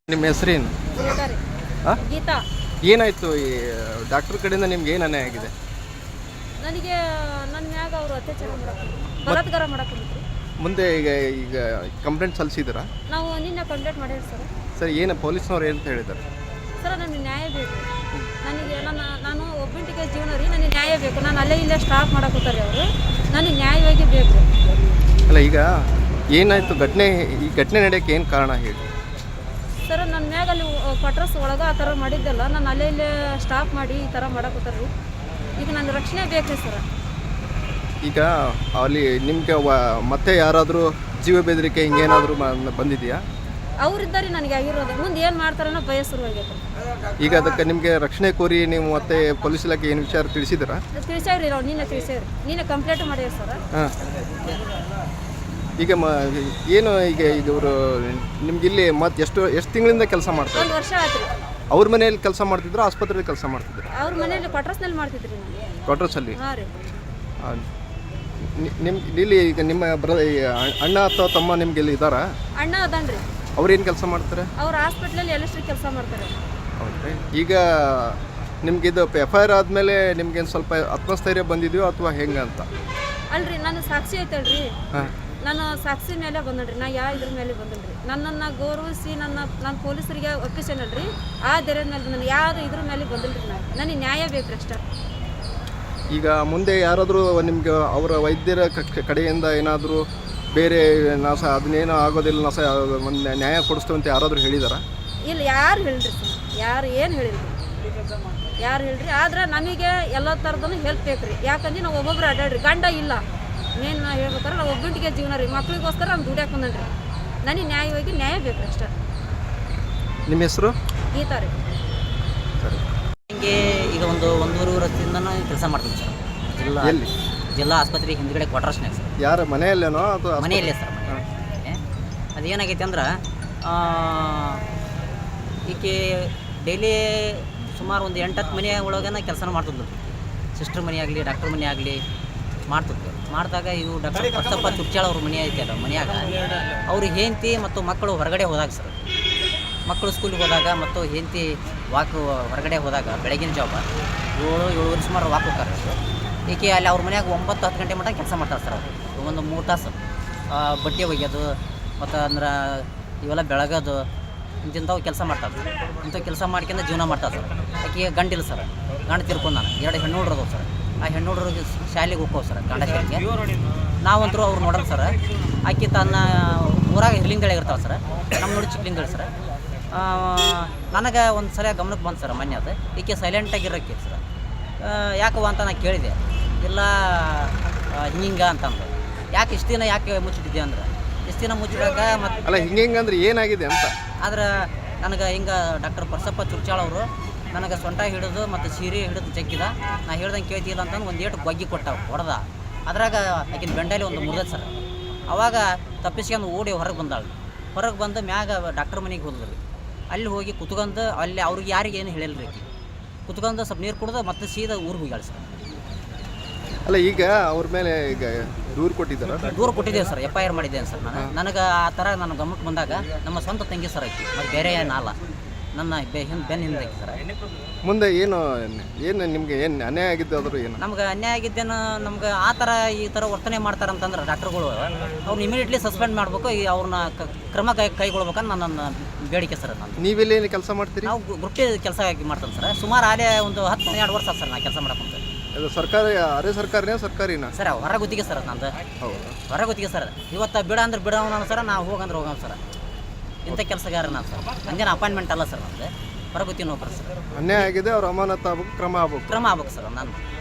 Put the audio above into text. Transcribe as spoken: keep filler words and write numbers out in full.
ನಿಮ್ಮ ಹೆಸರೇನು? ಗೀತಾ ರೀ. ಆ? ಗೀತಾ. ಏನಾಯ್ತು? ಈ ಡಾಕ್ಟರ್ ಕಡೆಯಿಂದ ನಿಮ್ಗೆ ಏನು ಅನ್ಯಾಯ ಆಗಿದೆ? ನನಗೆ ನನ್ನ ಮ್ಯಾಗ ಅವರು ಅತ್ಯಾಚಾರ ಮಾಡಕ್ಕೆ ಬಲಾತ್ಕಾರ ಮಾಡಕ್ಕೆ ಮುಂದೆ ಈಗ ಈಗ ಕಂಪ್ಲೇಂಟ್ ಸಲ್ಲಿಸಿದ್ದೀರಾ? ನಾವು ನಿನ್ನೆ ಕಂಪ್ಲೇಂಟ್ ಮಾಡಿರಿ ಸರ್. ಸರ್ ಏನು ಪೊಲೀಸ್ನವ್ರು ಏನಂತ ಹೇಳಿದ್ದಾರೆ? ಸರ್ ನನಗೆ ನ್ಯಾಯ ಬೇಕು. ನನಗೆ ನನ್ನ ನಾನು ಒಬ್ಬಂಟಿಗೆ ಜೀವನ ರೀ, ನನಗೆ ನ್ಯಾಯ ಬೇಕು. ನಾನು ಅಲ್ಲೇ ಇಲ್ಲೇ ಸ್ಟಾಪ್ ಮಾಡಕತ್ತಾರೆ ಅವರು, ನನಗೆ ನ್ಯಾಯವಾಗಿ ಬೇಕು. ಅಲ್ಲ ಈಗ ಏನಾಯಿತು ಘಟನೆ? ಈ ಘಟನೆ ನಡೆಯೋಕ್ಕೆ ಏನು ಕಾರಣ ಹೇಳಿ? ಸರ್ ನನ್ನ ಮ್ಯಾಗ ಅಲ್ಲಿ ಕ್ವಾರ್ಟರ್ಸ್ ಒಳಗೆ ಆ ಥರ ಮಾಡಿದ್ದಲ್ಲ, ನಾನು ಅಲ್ಲೇ ಇಲ್ಲೇ ಸ್ಟಾಪ್ ಮಾಡಿ ಈ ಥರ ಮಾಡಕತ್ತಾರೆ. ಈಗ ನನ್ನ ರಕ್ಷಣೆ ಬೇಕು ಸರ್. ಈಗ ಅಲ್ಲಿ ನಿಮಗೆ ಮತ್ತೆ ಯಾರಾದರೂ ಜೀವ ಬೆದರಿಕೆ ಹಿಂಗೇನಾದರೂ ಬಂದಿದೆಯಾ? ಅವರಿದ್ದಾರೆ ನನಗೆ ಆಗಿರೋದು. ಮುಂದೆ ಏನು ಮಾಡ್ತಾರನ್ನೋ ಭಯ ಶುರುವಾಗೈತೆ. ಈಗ ಅದಕ್ಕೆ ನಿಮಗೆ ರಕ್ಷಣೆ ಕೋರಿ ನೀವು ಮತ್ತೆ ಪೊಲೀಸ್ ಇಲಾಖೆ ಏನು ವಿಚಾರ ತಿಳಿಸಿದ್ದೀರಾ? ತಿಳಿಸೇವ್ರಿ, ನಾವು ನಿನ್ನೆ ತಿಳಿಸೇವ್ರಿ, ನಿನ್ನೆ ಕಂಪ್ಲೇಂಟ್ ಮಾಡ್ಯಾರ ಸರ್. ಹಾಂ. ಈಗ ಮ ಏನು ಈಗ ಈಗ ಇವರು ನಿಮ್ಗೆ ಇಲ್ಲಿ ಮತ್ತೆ ಎಷ್ಟು ಎಷ್ಟು ತಿಂಗಳಿಂದ ಕೆಲಸ ಮಾಡ್ತಾರೆ? ಒಂದು ವರ್ಷ ಆಯ್ತು ರೀ. ಅವ್ರ ಮನೆಯಲ್ಲಿ ಕೆಲಸ ಮಾಡ್ತಿದ್ರು, ಆಸ್ಪತ್ರೆಯಲ್ಲಿ ಕೆಲಸ ಮಾಡ್ತಿದ್ರು? ಅವ್ರ ಮನೇಲಿ ಕ್ವಾರ್ಟರ್ಸ್ನಲ್ಲಿ ಮಾಡ್ತಿದ್ರಿ ನಾನು. ಕ್ವಾರ್ಟರ್ಸಲ್ಲಿ? ಹಾಂ ರೀ. ನಿಮ್ಮ ಇಲ್ಲಿ ಈಗ ನಿಮ್ಮ ಬ್ರ ಅಣ್ಣ ಅಥವಾ ತಮ್ಮ ನಿಮ್ಗೆ ಇಲ್ಲಿ ಇದ್ದಾರಾ? ಅಣ್ಣ ಅದನ್ರಿ. ಅವ್ರೇನು ಕೆಲಸ ಮಾಡ್ತಾರೆ? ಅವ್ರು ಹಾಸ್ಪಿಟ್ಲಲ್ಲಿ ಎಲೆಕ್ಟ್ರಿಕ್ ಕೆಲಸ ಮಾಡ್ತಾರೆ. ಹೌದ್ರಿ. ಈಗ ನಿಮ್ಗಿದು ಎಫ್ ಐ ಆರ್ ಆದಮೇಲೆ ನಿಮ್ಗೇನು ಸ್ವಲ್ಪ ಆತ್ಮಸ್ಥೈರ್ಯ ಬಂದಿದೆಯೋ ಅಥವಾ ಹೆಂಗೆ ಅಂತ? ಅಲ್ರಿ ನಾನು ಸಾಕ್ಷಿ ಐತಲ್ರಿ, ಹಾಂ, ನಾನು ಸಾಕ್ಷಿ ಮೇಲೆ ಬಂದನ್ರಿ. ನಾ ಯಾವ ಇದ್ರ ಮೇಲೆ ಬಂದನ್ರಿ, ನನ್ನನ್ನು ಗೌರವಿಸಿ ನನ್ನ ನಾನು ಪೊಲೀಸರಿಗೆ ಒಪ್ಪಿಸೇನಲ್ರಿ, ಆ ಧೈರ್ಯದ ಮೇಲೆ ನಾನು ಯಾರು ಇದ್ರ ಮೇಲೆ ಬಂದಿಲ್ರಿ. ನಾನು ನನಗೆ ನ್ಯಾಯ ಬೇಕು ಅಷ್ಟೇ. ಈಗ ಮುಂದೆ ಯಾರಾದರೂ ನಿಮ್ಗೆ ಅವರ ವೈದ್ಯರ ಕಡೆಯಿಂದ ಏನಾದರೂ ಬೇರೆ ನಾಸ ಅದನ್ನೇನೋ ಆಗೋದಿಲ್ಲ, ನಾಸ ಒಂದು ನ್ಯಾಯ ಕೊಡಿಸ್ತೇವೆ ಅಂತ ಯಾರಾದರೂ ಹೇಳಿದಾರ? ಇಲ್ಲ, ಯಾರು ಹೇಳ್ರಿ ಸರ್, ಯಾರು ಏನು ಹೇಳಿಲ್ರಿ, ಯಾರು ಹೇಳ್ರಿ. ಆದ್ರೆ ನಮಗೆ ಎಲ್ಲ ಥರದೂ ಹೆಲ್ಪ್ ಬೇಕು ರೀ. ಯಾಕಂದ್ರೆ ನಾವು ಒಬ್ಬೊಬ್ರು ಅಡ್ಡಾಡ್ರಿ, ಗಂಡ ಇಲ್ಲ. ಮೇನ್ ಹೇಳ್ಬೇಕಾರೆ ನಾವು ಒಬ್ಬಂಟಿಗೆ ಜೀವನ ರೀ, ಮಕ್ಳಿಗೋಸ್ಕರ ನಾನು ದುಡ್ಯಾಕೆ ಬಂದನ್ರಿ. ನನಗೆ ನ್ಯಾಯವಾಗಿ ನ್ಯಾಯ ಬೇಕು ಅಷ್ಟೇ. ನಿಮ್ಮ ಹೆಸರು? ಗೀತಾ ರೀ. ಸರಿ. ಹಿಂಗೆ ಈಗ ಒಂದು ಒಂದೂವರೆ ವರ್ಷದಿಂದ ನಾನು ಕೆಲಸ ಮಾಡ್ತೀನಿ ಸರ್. ಜಿಲ್ಲಾ ಎಲ್ಲಿ? ಜಿಲ್ಲಾ ಆಸ್ಪತ್ರೆ ಹಿಂದ್ಗಡೆ ಕ್ವಾರ್ಟರ್ಸ್ನಾಗ ಸರ್. ಯಾರ ಮನೆಯಲ್ಲೇನೋ ಅಥವಾ ಮನೆಯಲ್ಲೇ ಸರ್, ಮನೆ. ಅದೇನಾಗೈತೆ ಅಂದ್ರೆ ಈಕೆ ಡೈಲಿ ಸುಮಾರು ಒಂದು ಎಂಟತ್ತು ಮನೆ ಒಳಗನ ಕೆಲಸ ಮಾಡ್ತಿದ್ಲು. ಸಿಸ್ಟರ್ ಮನೆ ಆಗಲಿ, ಡಾಕ್ಟರ್ ಮನೆ ಆಗಲಿ ಮಾಡ್ತಿದ್ಲು. ಮಾಡಿದಾಗ ಇವು ಡಾಕ್ಟರ್ ಪರ್ತಪ್ಪ ತುರ್ಚಾಳ ಅವ್ರ ಮನೆ ಐತಲ್ಲ, ಮನೆಯಾಗ ಅವ್ರು ಹೆಂಡತಿ ಮತ್ತು ಮಕ್ಕಳು ಹೊರಗಡೆ ಹೋದಾಗ ಸರ್, ಮಕ್ಕಳು ಸ್ಕೂಲಿಗೆ ಹೋದಾಗ ಮತ್ತು ಹೆಂಡತಿ ವಾಕ್ ಹೊರಗಡೆ ಹೋದಾಗ ಬೆಳಗಿನ ಜಾವ ಏಳು ಏಳುವರೆ ಸುಮಾರು ವಾಕ್ ಹೋಗ್ತಾರೆ. ಈಕೆ ಅಲ್ಲಿ ಅವ್ರ ಮನ್ಯಾಗ ಒಂಬತ್ತು ಹತ್ತು ಗಂಟೆ ಮಟ್ಟ ಕೆಲಸ ಮಾಡ್ತಾರೆ ಸರ್. ಅವರು ಒಂದು ಮೂರು ತಾಸು ಬಟ್ಟೆ ಒಗೆಯೋದು ಮತ್ತು ಅಂದ್ರೆ ಇವೆಲ್ಲ ಬೆಳಗೋದು ಇಂಥವು ಕೆಲಸ ಮಾಡ್ತಾರೆ ಸರ್. ಇಂಥ ಕೆಲಸ ಮಾಡ್ಕೊಂಡು ಜೀವನ ಮಾಡ್ತಾರೆ ಸರ್. ಆಕೆ ಗಂಡಿಲ್ಲ ಸರ್, ಗಂಡು ತಿರ್ಕೊಂಡು ನಾನು ಎರಡು ಹೆಣ್ಣು ಹುಡ್ರದವು ಸರ್. ಆ ಹೆಣ್ಣು ಹುಡ್ರಿಗೆ ಶಾಲೆಗೆ ಹೋಗ್ಕೋ ಸರ್, ಗಂಡ ಶಾಲೆಗೆ. ನಾವಂತರೂ ಅವ್ರು ನೋಡೋಣ ಸರ್. ಆಕೆ ತನ್ನ ಊರಾಗ ಹಿರ್ಲಿಂಗಳಿ ಇರ್ತಾವೆ ಸರ್, ನಮ್ಮ ನೋಡಿ ಚಿಕ್ಕಲಿಂಗಳಿ ಸರ್. ನನಗೆ ಒಂದು ಸಲ ಗಮನಕ್ಕೆ ಬಂತು ಸರ್ ಮೊನ್ನೆ, ಅದು ಈಕೆ ಸೈಲೆಂಟಾಗಿರೋಕ್ಕೆ ಸರ್. ಯಾಕವ ಅಂತ ನಾನು ಕೇಳಿದೆ. ಇಲ್ಲ ಹಿಂಗೆ ಅಂತಂದು. ಯಾಕೆ ಇಷ್ಟು ದಿನ ಯಾಕೆ ಮುಚ್ಚಿಟ್ಟಿದ್ದೆ ಅಂದ್ರೆ, ಇಷ್ಟು ದಿನ ಮುಚ್ಚಿದಾಗ ಮತ್ತು ಅಲ್ಲ ಹಿಂಗೆ ಹಿಂಗೆ ಅಂದ್ರೆ ಏನಾಗಿದೆ ಅಂತ. ಆದ್ರೆ ನನಗೆ ಹಿಂಗೆ ಡಾಕ್ಟರ್ ಪರ್ಸಪ್ಪ ತುರ್ಚಾಳ ಅವರು ನನಗೆ ಸೊಂಟ ಹಿಡಿದು ಮತ್ತು ಸೀರೆ ಹಿಡಿದು ಜಗ್ಗಿದ. ನಾ ಹೇಳ್ದಂಗೆ ಕೇಳ್ತಿಲ್ಲ ಅಂತಂದು ಒಂದು ಏಟು ಗೊಗ್ಗಿ ಕೊಟ್ಟ ಹೊಡೆದ. ಅದ್ರಾಗ ಆಕಿನ ಬೆಂಡಲ್ಲಿ ಒಂದು ಮುರಿದ ಸರ್. ಅವಾಗ ತಪ್ಪಿಸ್ಕೊಂಡು ಓಡಿ ಹೊರಗೆ ಬಂದಾಳು. ಹೊರಗೆ ಬಂದು ಮ್ಯಾಗ ಡಾಕ್ಟರ್ ಮನೆಗೆ ಹೋದ್ರಿ. ಅಲ್ಲಿ ಹೋಗಿ ಕುತ್ಕೊಂಡು ಅಲ್ಲಿ ಅವ್ರಿಗೆ ಯಾರಿಗೆ ಏನು ಹೇಳಿಲ್ಲ ರೀ. ಆಕಿ ಕುತ್ಕೊಂಡು ಸ್ವಲ್ಪ ನೀರು ಕುಡ್ದು ಮತ್ತೆ ಸೀದಾ ಊರಿಗೆ ಹೋಗ್ಯಾಳ ಸರ್. ಅಲ್ಲ ಈಗ ಅವ್ರ ಮೇಲೆ ಈಗ ದೂರು ಕೊಟ್ಟಿದ್ದಾರ? ದೂರ ಕೊಟ್ಟಿದ್ದೇವೆ ಸರ್, ಎಫ್ ಐ ಆರ್ ಮಾಡಿದ್ದೇನೆ ಸರ್ ನಾನು. ನನಗೆ ಆ ಥರ ನನ್ನ ಗಮನಕ್ಕೆ ಬಂದಾಗ ನಮ್ಮ ಸ್ವಂತ ತಂಗಿ ಸರ್ ಆಕಿ, ಮತ್ತು ಬೇರೆ ಏನಲ್ಲ, ನನ್ನ ಬೆ ಹಿಂದೆ ಬೆನ್ನ ಹಿಂದೆ ಆಕಿ ಸರ್. ಮುಂದೆ ಏನು ಏನು ನಿಮಗೆ ಏನು ಅನ್ಯಾಯ ಆಗಿದ್ದು ಆದರೂ ಏನು? ನಮ್ಗೆ ಅನ್ಯಾಯ ಆಗಿದ್ದೇನು, ನಮ್ಗೆ ಆ ಥರ ಈ ಥರ ವರ್ತನೆ ಮಾಡ್ತಾರಂತಂದ್ರೆ ಡಾಕ್ಟ್ರುಗಳು ಅವ್ರನ್ನ ಇಮಿಡಿಯೇಟ್ಲಿ ಸಸ್ಪೆಂಡ್ ಮಾಡಬೇಕು, ಈ ಅವ್ರನ್ನ ಕ್ರಮ ಕೈ ಕೈಗೊಳ್ಬೇಕಂತ ನನ್ನ ಬೇಡಿಕೆ ಸರ್. ನಾನು ನೀವೆಲ್ಲಿ ಕೆಲಸ ಮಾಡ್ತೀರಿ? ನಾವು ಗ್ರೂಪ್ಟಿ ಕೆಲಸ ಮಾಡ್ತಾನೆ ಸರ್. ಸುಮಾರು ಆಲೇ ಒಂದು ಹತ್ತು ಹನ್ನೆರಡು ವರ್ಷ ಸರ್ ನಾನು ಕೆಲಸ ಮಾಡಕ್ಕೆ. ಅದು ಸರ್ಕಾರಿ ಅರೆ ಸರ್ಕಾರಿನ ಸರ್ಕಾರಿನ ಸರ್? ಹೊರ ಗುತ್ತಿಗೆ ಸರ್ ನಂದು. ಹೌದು, ಹೊರ ಗುತ್ತಿಗೆ ಸರ್. ಇವತ್ತು ಬಿಡ ಅಂದ್ರೆ ಬಿಡೋಣ ಸರ್, ನಾವು ಹೋಗಂದ್ರೆ ಹೋಗೋಣ ಸರ್. ಇಂಥ ಕೆಲಸಗಾರ ನಾನು ಸರ್, ಹಂಗೇನು ಅಪಾಯಿಂಟ್ಮೆಂಟ್ ಅಲ್ಲ ಸರ್, ನಮ್ಮದು ಹೊರ ಗುತ್ತಿಗೆ ನೌಕರ ಸರ್. ಅನ್ಯಾಯ ಆಗಿದೆ, ಅವ್ರ ಅಮಾನತ್ ಆಗ್ಬೇಕು, ಕ್ರಮ ಆಗ್ಬೇಕು. ಕ್ರಮ ಆಗ್ಬೇಕು ಸರ್. ನಾನು